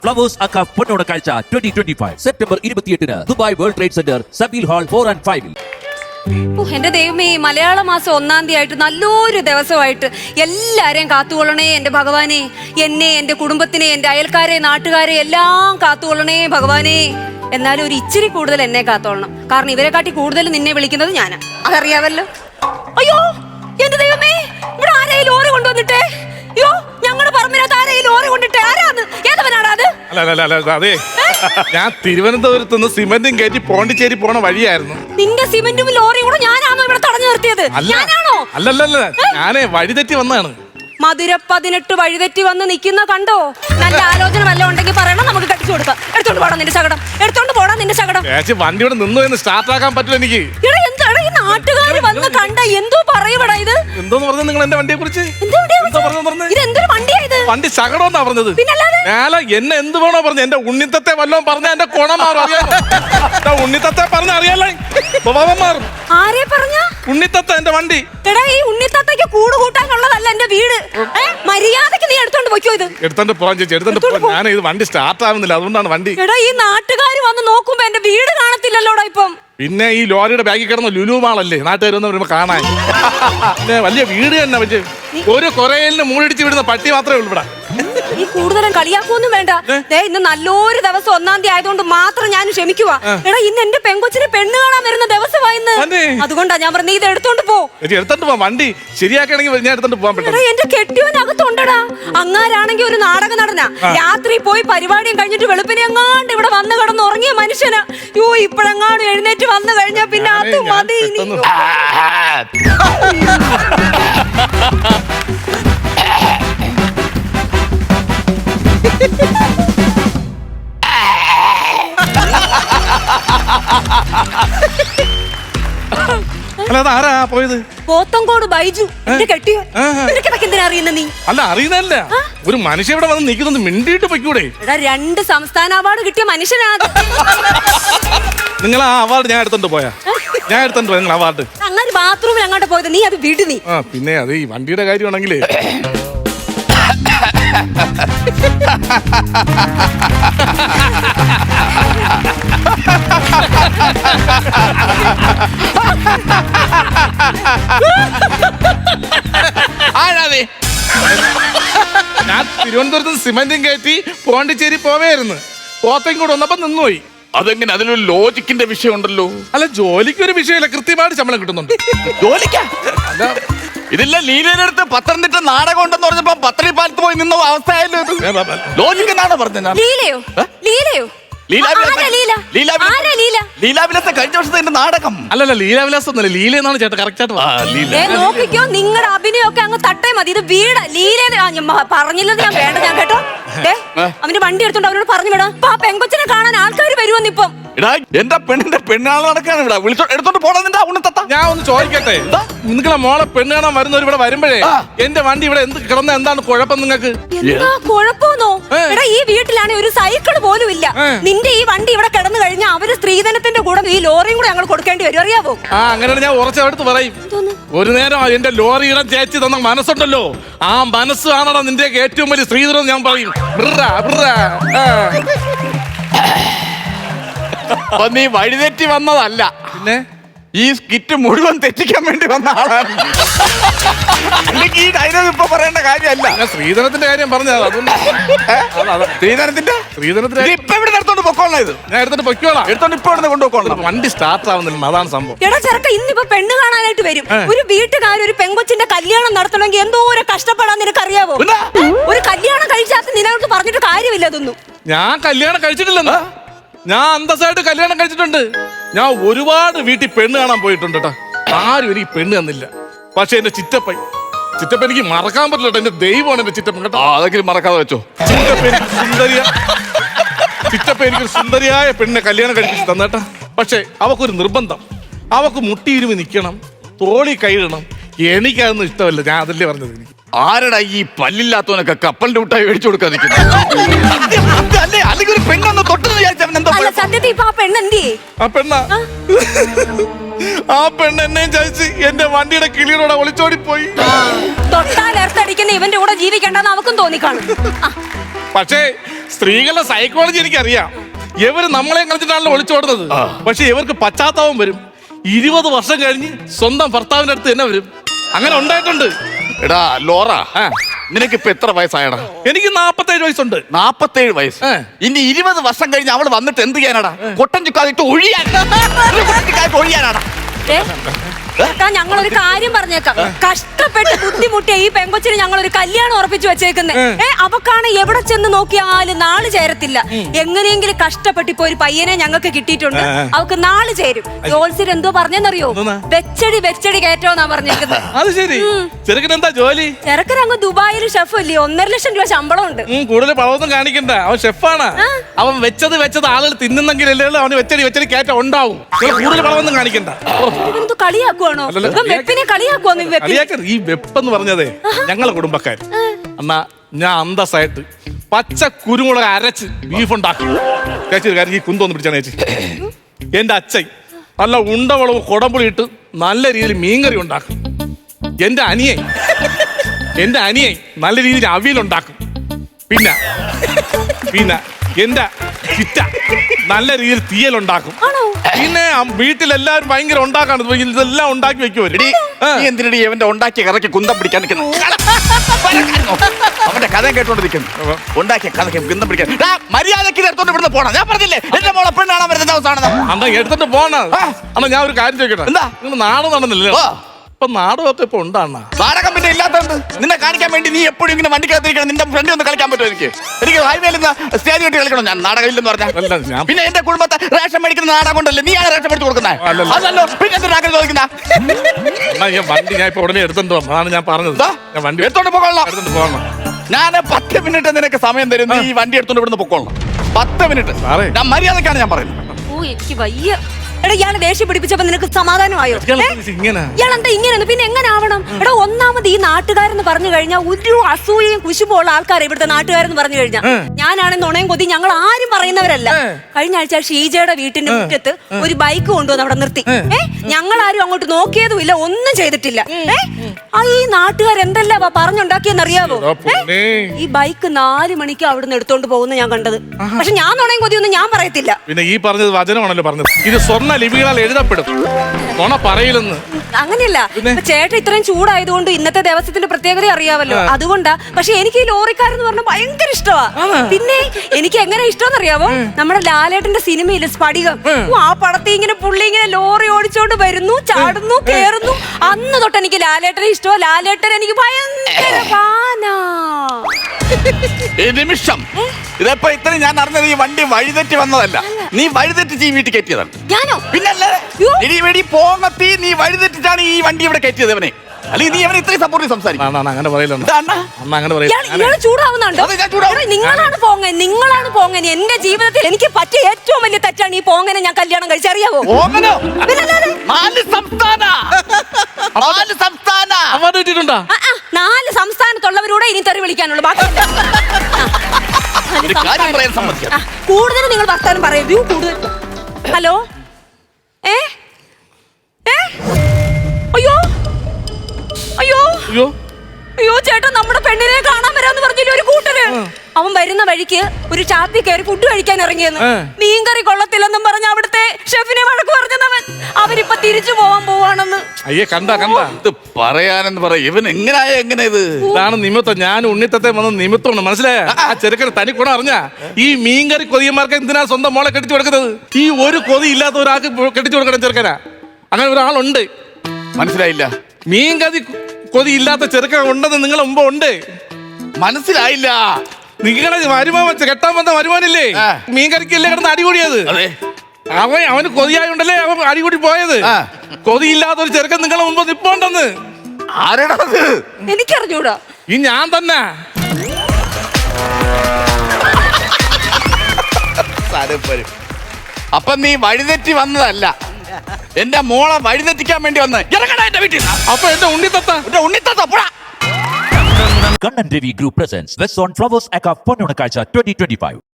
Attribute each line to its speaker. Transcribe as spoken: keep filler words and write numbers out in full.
Speaker 1: Flowers അക്ക പൊന്നോണ കാഴ്ച ട്വന്റി ട്വന്റി ഫൈവ് സെപ്റ്റംബർ ഇരുപത്തിയെട്ടിന് Dubai World Trade Centre Zabeel hall four and ഫൈവിൽ.
Speaker 2: എന്റെ ദൈവമേ, മലയാള മാസം ഒന്നാം തീയതി ആയിട്ട് നല്ലൊരു ദിവസമായിട്ട് എല്ലാരെയും കാത്തുകൊള്ളണേ എന്റെ ഭഗവാനെ. എന്നെ, എന്റെ കുടുംബത്തിനെ, എന്റെ അയൽക്കാരെ, നാട്ടുകാരെ എല്ലാം കാത്തുകൊള്ളണേ ഭഗവാനെ. എന്നാലും ഒരു ഇച്ചിരി കൂടുതൽ എന്നെ കാത്തോളണം, കാരണം ഇവരെ കാട്ടി കൂടുതൽ നിന്നെ വിളിക്കുന്നത് ഞാനാ, അതറിയാവല്ലോ. അയ്യോ എന്റെ ദൈവമേ, ഇവിടെ ആരെയും ലോറി കൊണ്ടുവന്നിട്ടേ. അയ്യോ ഞങ്ങളുടെ പറമ്പിനകത്ത് ആരെയും ലോറി കൊണ്ടിട്ടേ. ആരാന്ന്? ഏതവനാണ് അത്?
Speaker 3: അതെ, ഞാൻ തിരുവനന്തപുരത്ത് നിന്ന് സിമന്റും കയറ്റി പോണ്ടിച്ചേരി പോണ വഴിയായിരുന്നു.
Speaker 2: നിന്റെ സിമന്റും ലോറിയും കൂടെ ഞാനാണോ ഇവിടെ തടഞ്ഞു നിർത്തിയത്? ഞാനാണോ?
Speaker 3: അല്ലല്ലല്ല, ഞാനേ വഴി തെറ്റി വന്നതാണ്.
Speaker 2: മധുര പതിനെട്ട് വഴിതെറ്റി വന്ന് നിൽക്കുന്ന കണ്ടോ? നല്ല ആലോചന വല്ലതും ഉണ്ടെങ്കിൽ പറയണം, നമുക്ക് കട്ടിച്ചു കൊടുക്കാം. എടുത്തോണ്ട് പോടാ നിന്റെ ശകടം, എടുത്തോണ്ട് പോടാ നിന്റെ ശകടം.
Speaker 3: വണ്ടി ഇവിടെ നിന്ന് എന്ന് സ്റ്റാർട്ട് ആക്കാൻ പറ്റില്ല എനിക്ക്.
Speaker 2: എന്താണ് ഈ നാട്ടുകാർ വന്ന് കണ്ട എന്തോ പറയപ്പെടാ ഇത്?
Speaker 3: എന്തോന്ന് പറഞ്ഞു നിങ്ങൾ എന്റെ വണ്ടിയെ കുറിച്ച്?
Speaker 2: ഇതെന്തൊരു വണ്ടിയാ ഇത്?
Speaker 3: വണ്ടി ശകടം എന്നാ പറഞ്ഞത്. ഞാല എന്നെ എന്ത് വേണോ പറഞ്ഞു. എന്റെ ഉണ്ണിത്തത്തെ വല്ലതും പറഞ്ഞ എന്റെ കുണം മാറും, അറിയാമോ? ഉണ്ണിത്തത്തെ പറഞ്ഞ അറിയാലോ, സ്വഭാവം മാറും.
Speaker 2: ആരെ പറഞ്ഞ?
Speaker 3: ഉണ്ണിത്തത്ത എന്റെ വണ്ടി.
Speaker 2: എടാ, ഈ ഉണ്ണിത്തത്തയ്ക്ക് കൂട് കൂട്ടാനുള്ളതല്ല എന്റെ വീട്. മര്യാദക്ക് നീ എടുത്തോണ്ട് പോയിക്കോ. ഇത്
Speaker 3: എടുത്തോണ്ട് പോവാൻ ചേച്ചി, എടുത്തോണ്ട് പോ. ഞാൻ ഇത് വണ്ടി സ്റ്റാർട്ട് ആവുന്നില്ല, അതുകൊണ്ടാണ് വണ്ടി.
Speaker 2: എടാ, ഈ നാട്ടുകാർ വന്ന് നോക്കുമ്പോ എന്റെ വീട് കാണത്തില്ലല്ലോടാ ഇപ്പം.
Speaker 3: പിന്നെ ഈ ലോറിയുടെ ബാഗിൽ കിടന്ന ലുലു മാളല്ലേ നാട്ടുകാർ വന്ന് വരുമ്പോ കാണാൻ. പിന്നെ വലിയ വീട് തന്നെ, പക്ഷേ ഒരു കൊറയിലിന് മൂടിടിച്ച് വിടുന്ന പട്ടി മാത്രമേ ഉള്ളൂ ഇവിടെ.
Speaker 2: നീ കൂടുതലും കളിയാക്കൊന്നും വേണ്ട. ദേ, ഇന്ന് നല്ലൊരു ദിവസം ഒന്നാം തീയതി ആയതുകൊണ്ട് മാത്രം ഞാൻ ക്ഷമിക്കുവാ. എടാ, ഇന്ന് എന്റെ പെങ്കൊച്ചിനെ പെണ്ണ് കാണാൻ വരുന്ന ദിവസമായിന്ന്. അതുകൊണ്ടാ ഞാൻ പറഞ്ഞ ഇത് എടുത്തോണ്ട് പോ.
Speaker 3: എടുത്തോണ്ട് പോ, വണ്ടി ശരിയാക്കണെങ്കിൽ ഞാൻ എടുത്തോണ്ട് പോകാൻ പറ്റും.
Speaker 2: എന്റെ കെട്ടിയവനകത്തുണ്ടടാ. അങ്ങാരാണെങ്കിൽ ഒരു നാടക നടനാ. രാത്രി പോയി പരിപാടിയും കഴിഞ്ഞിട്ട് വെളുപ്പിനെ എങ്ങാണ്ട് ഇവിടെ വന്ന് കിടന്ന് ഉറങ്ങിയ മനുഷ്യനാ. യോ, ഇപ്പഴെങ്ങാണ്ട് എഴുന്നേറ്റ് വന്നു കഴിഞ്ഞാ പിന്നെ അത് മതി.
Speaker 3: അല്ലാതെ ആരാ പോയത്?
Speaker 2: പോത്തങ്കോട് ബൈജു, എന്റെ കെട്ടിയോ. എന്തിനാ അറിയുന്ന നീ?
Speaker 3: അല്ല, അറിയുന്നതല്ല, ഒരു മനുഷ്യ ഇവിടെ വന്ന് നിൽക്കുന്നത് മിണ്ടിയിട്ട് പൊയ്ക്കൂടെ?
Speaker 2: എടാ, രണ്ട് സംസ്ഥാന അവാർഡ് കിട്ടിയ മനുഷ്യനാണ്.
Speaker 3: നിങ്ങൾ ആ അവാർഡ് ഞാൻ എടുത്തോണ്ട് പോയാ? ഞാൻ എടുത്തോണ്ട് പോയ നിങ്ങൾ അവാർഡ്?
Speaker 2: അങ്ങനെ ബാത്റൂമിൽ അങ്ങോട്ട് പോയത് നീ അത് വിട് നീ.
Speaker 3: ആ, പിന്നെ അത് ഈ വണ്ടിയുടെ കാര്യമാണെങ്കിലേ ഞാൻ തിരുവനന്തപുരത്ത് സിമന്റും കയറ്റി പോണ്ടിച്ചേരി പോവേയിരുന്നു. പോത്തേം കൂടെ വന്നപ്പോ നിന്നുപോയി.
Speaker 4: അതെങ്ങനെ? അതിലൊരു ലോജിക്കിന്റെ വിഷയം ഉണ്ടല്ലോ.
Speaker 3: അല്ല, ജോലിക്ക് ഒരു വിഷയമില്ല, കൃത്യമായിട്ട് ശമ്പളം കിട്ടുന്നുണ്ട്.
Speaker 4: ജോലിക്കാ? ഇതില്ല, ലീലയുടെ പത്തനംതിട്ട നാടകം ഉണ്ടെന്ന് പറഞ്ഞപ്പോ പത്തടി പാലത്ത് പോയി നിന്ന അവസ്ഥയായല്ലോ. ലോജിക്ക് എന്നാണോ പറഞ്ഞത്?
Speaker 2: ലീലയോ? ലീലയോ?
Speaker 4: ലീലാവിലാസം കഴിഞ്ഞ വർഷത്തെ എന്റെ നാടകം.
Speaker 3: അല്ലല്ല, ലീലാവിലാസം ഒന്നല്ല, ലീല എന്നാണ് ചേട്ടാ കറക്റ്റ് ആയിട്ട്.
Speaker 2: നോക്കിക്കോ, നിങ്ങളുടെ അഭിനയൊക്കെ അങ്ങ് തട്ടേ മതി. ഇത് വീട് ലീല പറഞ്ഞില്ലെന്ന് ഞാൻ വേണ്ട ഞാൻ കേട്ടോ. അവന്റെ വണ്ടി എടുത്തോണ്ട് അവനോട് പറഞ്ഞു വിടാം. ആ പെങ്കൊച്ചിനെ കാണാൻ ആൾക്കാർ വരുമെന്നിപ്പം.
Speaker 4: എന്റെ പെണ്ണിന്റെ പെണ്ണാളെ നടക്കാണ് ഇവിടെ. വിളിച്ചോ, എടുത്തോണ്ട് പോടാ നിന്റെ ഉണ്ണത്തത്ത.
Speaker 3: ഞാൻ ഒന്ന് ചോദിക്കട്ടെ, നിങ്ങളെ മോളെ പെണ്ണ് കാണാൻ വരുന്നവർ ഇവിടെ വരുമ്പോഴേ എന്റെ വണ്ടി ഇവിടെ എന്ത് കിടന്ന എന്താണ് കുഴപ്പം നിങ്ങൾക്ക്?
Speaker 2: എന്താ കുഴപ്പമെന്നോ? എടാ, ഈ വീട്ടിലാണെങ്കിൽ ഒരു സൈക്കിൾ പോലും ഇല്ല. നിന്റെ ഈ വണ്ടി ഇവിടെ കിടന്നു കഴിഞ്ഞാൽ അവര് സ്ത്രീധനത്തിന്റെ കൂടെ ഈ ലോറിയും കൂടെ ഞങ്ങൾ കൊടുക്കേണ്ടി വരും, അറിയാവോ?
Speaker 3: ആ, അങ്ങനെയാണ് ഞാൻ ഉറച്ചെടുത്ത് പറയും. ഒരു നേരം എന്റെ ലോറിയുടെ ചേച്ചി തന്ന മനസ്സുണ്ടല്ലോ, ആ മനസ്സാണോ നിന്റെ ഏറ്റവും വലിയ സ്ത്രീധനം ഞാൻ പറയും.
Speaker 4: അപ്പൊ നീ വഴിതെറ്റി വന്നതല്ല,
Speaker 3: പിന്നെ
Speaker 4: ഈ സ്കിറ്റ് മുഴുവൻ തെറ്റിക്കാൻ വേണ്ടി വന്ന ആളാണ്. അല്ലെങ്കിൽ ഈ ഡയലോഗ് ഇപ്പൊ പറയേണ്ട കാര്യമല്ല.
Speaker 3: ഞാൻ സ്ത്രീധനത്തിന്റെ കാര്യം പറഞ്ഞത്.
Speaker 4: ശ്രീധരത്തിന്റെ
Speaker 3: ശ്രീധനത്തിന്റെ
Speaker 4: ഇപ്പൊ ഇവിടെ എടുത്തോണ്ട് പൊക്കോളാം. ഇത്
Speaker 3: ഞാൻ എടുത്തോണ്ട് പൊക്കോളാം.
Speaker 4: എടുത്തോണ്ട് ഇപ്പൊ ഇവിടെ കൊണ്ടുപോക്കോളാം.
Speaker 3: വണ്ടി സ്റ്റാർട്ട് ആവുന്നില്ല, അതാണ് സംഭവം.
Speaker 2: എടാ ചെറുക്ക, ഇന്നിപ്പോ പെണ്ണ് കാണാനായിട്ട് വരും. ഒരു വീട്ടുകാർ ഒരു പെങ്കൊച്ചിന്റെ കല്യാണം നടത്തണമെങ്കിൽ എന്തോ ഒരു കഷ്ടപ്പെടാൻ നിനക്ക് അറിയാവോ? ഒരു കല്യാണം കഴിച്ചാൽ നിനക്ക് പറഞ്ഞിട്ട് കാര്യമില്ല അതൊന്നും.
Speaker 3: ഞാൻ കല്യാണം കഴിച്ചിട്ടില്ലെന്ന്. ഞാൻ അന്തസ്സായിട്ട് കല്യാണം കഴിച്ചിട്ടുണ്ട്. ഞാൻ ഒരുപാട് വീട്ടിൽ പെണ്ണ് കാണാൻ പോയിട്ടുണ്ട് കേട്ടോ. ആരും എനിക്ക് പെണ്ണ് തന്നില്ല. പക്ഷെ എന്റെ ചിറ്റപ്പൻ ചിറ്റപ്പൻ എനിക്ക് മറക്കാൻ പറ്റില്ല. എന്റെ ദൈവമാണ് എന്റെ ചിറ്റപ്പൻ കേട്ടോ.
Speaker 4: അതൊക്കെ മറക്കാതെ വെച്ചോ.
Speaker 3: ചിറ്റപ്പൻ എനിക്ക് സുന്ദരിയ ചിറ്റപ്പൻ എനിക്കൊരു സുന്ദരിയായ പെണ്ണിനെ കല്യാണം കഴിപ്പിച്ച് തന്നേട്ടാ. പക്ഷെ അവക്കൊരു നിർബന്ധം, അവക്ക് മുട്ടിയിരുമി നിൽക്കണം, തോളി കൈയിടണം. എനിക്കതൊന്നും ഇഷ്ടമല്ല. ഞാൻ അതല്ലേ പറഞ്ഞത്. എനിക്ക്
Speaker 4: ആരടാ ഈ പല്ലില്ലാത്തവനൊക്കെ കപ്പലിന്റെ മുട്ടായി മേടിച്ചു കൊടുക്കാൻ അല്ലെങ്കിൽ ഒരു പെണ്ണൊന്ന് തൊട്ടെന്ന് വിചാരിച്ചവൻ
Speaker 2: സത്യത്തിൽ ഇപ്പൊ ആ പെണ്ണെന്തേ?
Speaker 3: ആ പെണ്ണ ആ പെണ്ണ് എന്നെയും ചതിച്ച് എന്റെ വണ്ടിയുടെ കിളിയോടെ ഒളിച്ചോടി പോയി.
Speaker 2: തൊട്ടാൽ എർത്തടിക്കുന്ന പിന്നെ ഇവന്റെ കൂടെ ജീവിക്കേണ്ടെന്ന് അവക്കും തോന്നിക്കാണും. ആ,
Speaker 3: പക്ഷേ സ്ത്രീകളുടെ സൈക്കോളജി എനിക്കറിയാം. ഇവര് നമ്മളെ കളിച്ചിട്ടാണല്ലോ ഒളിച്ചോടുന്നത്. പക്ഷെ ഇവർക്ക് പശ്ചാത്താപം വരും. ഇരുപത് വർഷം കഴിഞ്ഞ് സ്വന്തം ഭർത്താവിന്റെ അടുത്ത് തന്നെ വരും. അങ്ങനെ ഉണ്ടായിട്ടുണ്ട്.
Speaker 4: എടാ ലോറ,
Speaker 3: ആ.
Speaker 4: നിനക്ക് ഇപ്പൊ എത്ര വയസ്സായടാ?
Speaker 3: എനിക്ക് നാപ്പത്തേഴ് വയസ്സുണ്ട്.
Speaker 4: നാപ്പത്തേഴ് വയസ്സ്.
Speaker 3: ഏ.
Speaker 4: ഇനി ഇരുപത് വർഷം കഴിഞ്ഞ് അവള് വന്നിട്ട് എന്ത് ചെയ്യാനാടാ? കൊട്ടൻ ചുക്കാതിട്ട് ഒഴിയാൻ കൊട്ടൻ ചുക്കാതിട്ട് ഒഴിയാനാടാ?
Speaker 2: ഏ, ചേട്ടാ, ഞങ്ങളൊരു കാര്യം പറഞ്ഞേക്കാം. കഷ്ടപ്പെട്ട് ബുദ്ധിമുട്ടിയ ഈ പെങ്കൊച്ചിന് ഞങ്ങളൊരു കല്യാണം ഉറപ്പിച്ചു വെച്ചേക്കുന്നേ. ഏ, അവക്കാണ് എവിടെ ചെന്ന് നോക്കിയാലും നാള് ചേരത്തില്ല. എങ്ങനെയെങ്കിലും കഷ്ടപ്പെട്ട് ഇപ്പൊ ഒരു പയ്യനെ ഞങ്ങൾക്ക് കിട്ടിയിട്ടുണ്ട്. അവക്ക് നാള് ചേരും. ജോത്സ്യർ എന്തോ പറഞ്ഞെന്നറിയോ? വെച്ചടി വെച്ചടി കയറ്റോന്നാ പറഞ്ഞേക്കുന്നത്.
Speaker 3: അത് ശരി. ചെറുക്കൻ എന്താ ജോലി?
Speaker 2: ചെറുക്കൻ അങ്ങ് ദുബായിൽ ഷെഫ് അല്ലേ, ഒന്നര ലക്ഷം രൂപ ശമ്പളം ഉണ്ട്.
Speaker 3: ഉം, കൂടുതൽ പഴമൊന്നും കാണിക്കണ്ട. അവൻ ഷെഫാണ്. അവൻ വെച്ചത് വെച്ചത് ആളുകൾ തിന്നുന്നെങ്കിലല്ലേ അവന് വെച്ചടി വെച്ചടി കയറ്റം ഉണ്ടാവും. നിങ്ങൾ കൂടുതൽ പഴമൊന്നും കാണിക്കണ്ട.
Speaker 2: ഇവനെന്തോ കളിയാക്കുവാണോ? ഇവൻ വെപ്പിനെ കളിയാക്കുവാന്ന്. ഈ വെപ്പിനെ
Speaker 3: കളിയാക്കരുത്. ഈ വെപ്പെന്ന് പറഞ്ഞതേ ഞങ്ങളെ കുടുംബക്കാർ. എന്നാ ഞാൻ അന്തസ്സായിട്ട് പച്ച കുരുമുളക് അരച്ച് ബീഫ് ഉണ്ടാക്കും. ചേച്ചി ഒരു കാര്യം, ഈ കുന്തോന്ന് പിടിച്ചാണ് ചേച്ചി. എന്റെ അച്ഛൻ നല്ല ഉണ്ടവളവും കുടമ്പുളി ഇട്ട് നല്ല രീതിയിൽ മീൻകറി ഉണ്ടാക്കും. എന്റെ അനിയൻ എന്റെ അനിയൻ നല്ല രീതിയിൽ അവിയലുണ്ടാക്കും. പിന്നെ പിന്നെ എന്റെ ചിറ്റ നല്ല രീതിയിൽ തീയലുണ്ടാക്കും. പിന്നെ വീട്ടിലെല്ലാവരും ഭയങ്കര ഉണ്ടാക്കാണ്. ഇതെല്ലാം ഉണ്ടാക്കി വെക്കുവര്.
Speaker 4: നീ എന്തിനടി അവന്റെ ഉണ്ടാക്കിയ കഥയ്ക്ക് കുന്തം പിടിക്കാൻ നിൽക്കുന്നു? അവന്റെ കഥ കേട്ടോണ്ടിരിക്കുന്നു. ഉണ്ടാക്കിയ കഥയ്ക്ക് കുന്തം പിടിക്കാൻ മര്യാദക്ക് എടുത്തോണ്ട് ഇവിടുന്ന് പോണം. ഞാൻ പറഞ്ഞില്ലേ എന്റെ മോളെ പെണ്ണാണാൻ വരുന്ന ദിവസമാണ്.
Speaker 3: അന്നാ എടുത്തിട്ട് പോണ. അന്നാ ഞാൻ ഒരു കാര്യം ചോദിക്കട്ടെ.
Speaker 4: എന്താ
Speaker 3: നിങ്ങൾ നാട് നടന്നില്ലല്ലോ? ഇപ്പൊ നാടകമൊക്കെ ഇപ്പൊ ഉണ്ടാണ്.
Speaker 4: നാടകം പിന്നെ ഇല്ലാത്തത് നിന്നെ കാണിക്കാൻ വേണ്ടി നീ എപ്പോഴും ഇങ്ങനെ വണ്ടിക്കകത്തിരിക്കണം. നിന്റെ ഫ്രണ്ട് ഒന്ന് കളിക്കാൻ പറ്റുമോ? എനിക്ക് എനിക്ക് ഹൈവേയിൽ നിന്ന് സ്റ്റേജ് കെട്ടി കളിക്കണം. ഞാൻ നാടകം ഇല്ലെന്ന് പറഞ്ഞാൽ പിന്നെ എന്റെ കുടുംബത്തെ റേഷൻ മേടിക്കുന്ന നാടകം കൊണ്ടല്ലേ നീയാണ് റേഷൻ മേടിച്ച് കൊടുക്കുന്നത്? അതല്ലോ പിന്നെ എന്തിനാ ചോദിക്കുന്ന?
Speaker 3: വണ്ടി ഞാൻ ഇപ്പൊ ഉടനെ എടുത്തോണ്ട് പോകാം. അതാണ് ഞാൻ പറഞ്ഞത്. ഞാൻ വണ്ടി
Speaker 4: എടുത്തോണ്ട് പോകണം.
Speaker 3: എടുത്തോണ്ട് പോകണം.
Speaker 4: ഞാൻ പത്ത് മിനിറ്റ് നിനക്ക് സമയം തരും. നീ ഈ വണ്ടി എടുത്തോണ്ട് ഇവിടുന്ന് പൊക്കോളണം. പത്ത് മിനിറ്റ്. ഞാൻ മര്യാദക്കാണ് ഞാൻ പറയുന്നത്.
Speaker 2: ഓ, എനിക്ക് വയ്യ. എടാ, ഇയാളെ ദേഷ്യം പിടിപ്പിച്ചപ്പോ നിനക്ക് സമാധാനമായോ? ഇയാളെന്താ ഇങ്ങനെ? പിന്നെ എങ്ങനെ ആവണം? എടാ, ഒന്നാമത് ഈ നാട്ടുകാരെന്ന് പറഞ്ഞു കഴിഞ്ഞാൽ ഒരു അസൂയയും കുശുമുള്ള ആൾക്കാർ ഇവിടുത്തെ നാട്ടുകാരെന്ന് പറഞ്ഞു കഴിഞ്ഞാൽ. ഞാനാണെന്ന് ഉണയും കൊതി ഞങ്ങൾ ആരും പറയുന്നവരല്ല. കഴിഞ്ഞ ആഴ്ച ഷീജയുടെ വീട്ടിന്റെ മുറ്റത്ത് ഒരു ബൈക്ക് കൊണ്ടുവന്ന് അവിടെ നിർത്തി. ഏ, ഞങ്ങൾ ആരും അങ്ങോട്ട് നോക്കിയതുമില്ല, ഒന്നും ചെയ്തിട്ടില്ല. ഏ, ആ ഈ നാട്ടുകാർ എന്തെല്ലാം പറഞ്ഞുണ്ടാക്കിയെന്നറിയാവോ? ഈ ബൈക്ക് നാല് മണിക്ക് അവിടുന്ന് എടുത്തോണ്ട് പോകുന്ന ഞാൻ കണ്ടത്. പക്ഷെ ഞാൻ ഉണയും കൊതിയൊന്നും ഞാൻ പറയത്തില്ല.
Speaker 3: പിന്നെ ഈ പറഞ്ഞത് വചനമാണല്ലോ പറഞ്ഞത്. ഇത് സ്വർണ്ണ ലിപികളാൽ എഴുതപ്പെടും. നുണ പറയില്ലെന്ന്.
Speaker 2: അങ്ങനെയല്ല. ചേട്ടൻ ഇത്രയും ചൂടായതുകൊണ്ട് ഇന്നത്തെ ദിവസത്തിന്റെ പ്രത്യേകത അറിയാമല്ലോ, അതുകൊണ്ടാ. പക്ഷെ എനിക്ക് ഈ ലോറിക്കാരെന്ന് പറഞ്ഞാൽ ഭയങ്കര ഇഷ്ടമാ. പിന്നെ എനിക്ക് എങ്ങനെ ഇഷ്ടം അറിയാവോ? നമ്മുടെ ലാലേട്ടന്റെ സിനിമയില് സ്ഫടികം. ആ പടത്തിൽ ഇങ്ങനെ പുള്ളി ഇങ്ങനെ ലോറി ഓടിച്ചോണ്ട് വരുന്നു, ചാടുന്നു, കേറുന്നു. അന്ന് തൊട്ട് എനിക്ക് ലാലേട്ടനെ ഇഷ്ടമാ. ലാലേട്ടൻ എനിക്ക് ഭയങ്കര ഫാനാ.
Speaker 4: നിമിഷം ഇതെപ്പോ ഇത്ര ഞാൻ അറിഞ്ഞത് ഈ വണ്ടി വഴിതെറ്റി വന്നതല്ല. നീ വഴിതെറ്റിച്ച് ഈ വീട്ടിൽ കയറ്റിയതാണ്.
Speaker 2: ഞാനോ?
Speaker 4: പിന്നല്ലേ ഇടി പോങ്ങത്തി നീ വഴിതെറ്റിച്ചാണ് ഈ വണ്ടി ഇവിടെ കയറ്റിയത് അവനെ. അല്ലെങ്കിൽ നീ അവനെ ഇത്രയും സപ്പോർട്ട് സംസാരിക്കും.
Speaker 3: അങ്ങനെ പറയില്ല.
Speaker 2: ചൂടാവുന്നുണ്ടോ? നിങ്ങളാണ് പോങ്ങൻ, നിങ്ങളാണ് പോങ്ങൻ. എന്റെ ജീവിതത്തിൽ എനിക്ക് പറ്റിയ ഏറ്റവും വലിയ തെറ്റാണ് ഈ പോങ്ങനെ ഞാൻ കല്യാണം കഴിച്ചറിയാവോ?
Speaker 4: നാല് സംസ്ഥാന നാല് സംസ്ഥാന
Speaker 2: നാല് സംസ്ഥാനത്തുള്ളവരോടെ ഇനി തെറി വിളിക്കാനുള്ളൂ. കൂടുതൽ നിങ്ങൾ വർത്താനം പറയൂ. കൂടുതൽ. ഹലോ. ഏ ഏ അയ്യോ അയ്യോ
Speaker 3: അയ്യോ
Speaker 2: അയ്യോ ചേട്ടാ, നമ്മുടെ പെണ്ണിനെ കാണാൻ വരാന്ന് പറഞ്ഞില്ല ഒരു കൂട്ടര്. അവൻ വരുന്ന വഴിക്ക് ഒരു ഷാപ്പിൽ കയറി ഫുഡ് കഴിക്കാൻ ഇറങ്ങിയെന്ന്. മീൻകറി കൊള്ളത്തില്ലെന്നും പറഞ്ഞ അവിടുത്തെ ഷെഫിനെ വഴക്ക് പറഞ്ഞവൻ അവരിപ്പൊ തിരിച്ചു പോവാൻ പോവാണെന്ന്.
Speaker 3: അയ്യേ, കണ്ട കണ്ട
Speaker 4: ഇത് പറയാനെന്ന് പറയാ. ഇവൻ എങ്ങനെയായ എങ്ങനെ ഇത്?
Speaker 3: ഇതാണ് നിമിത്തം. ഞാൻ ഉണ്ണിത്തത്തെ വന്ന നിമിത്തമാണ്. മനസ്സിലായ? ആ ചെറുക്കന് തനി കൂടെ അറിഞ്ഞ ഈ മീൻകറി കൊതിയന്മാർക്ക് എന്തിനാ സ്വന്തം മോളെ കെട്ടിച്ചു കൊടുക്കുന്നത്? ഈ ഒരു കൊതി ഇല്ലാത്ത ഒരാൾക്ക് കെട്ടിച്ചു കൊടുക്കണം ചെറുക്കനാ. അങ്ങനെ ഒരാളുണ്ട്.
Speaker 4: മനസ്സിലായില്ല.
Speaker 3: മീൻകറി കൊതി ഇല്ലാത്ത ചെറുക്കൻ ഉണ്ടെന്ന് നിങ്ങളെ മുമ്പ് ഉണ്ട്.
Speaker 4: മനസ്സിലായില്ല.
Speaker 3: നിങ്ങളെ വരുമാൻ വെച്ച കെട്ടാൻ വന്ന വരുമാനില്ലേ, മീൻകറിക്കല്ലേ കിടന്ന് അടികൂടിയത്? അവൻ അവന് കൊതിയായോണ്ടല്ലേ അവൻ അടികൂടി പോയത്. കൊതിയില്ലാത്ത ഒരു ചെറുക്കൻ നിങ്ങളെ മുമ്പ് നിപ്പോണ്ടെന്ന്.
Speaker 4: ആരാണത്?
Speaker 2: എനിക്കറിഞ്ഞൂടാ.
Speaker 3: ഈ ഞാൻ തന്നെ.
Speaker 4: അപ്പൊ നീ വഴിതെറ്റി വന്നതല്ല, എന്റെ മോളെ വഴിതെറ്റിക്കാൻ വേണ്ടി വന്ന് ഇറങ്ങടാ എന്റെ വീട്ടിൽ.
Speaker 3: അപ്പൊ എന്റെ ഉണ്ണിത്തത്ത
Speaker 4: ഉണ്ണിത്തത്ത പോടാ.
Speaker 1: Kannan Devi Group presents West on Flowers Aka Ponnunakazha twenty twenty-five.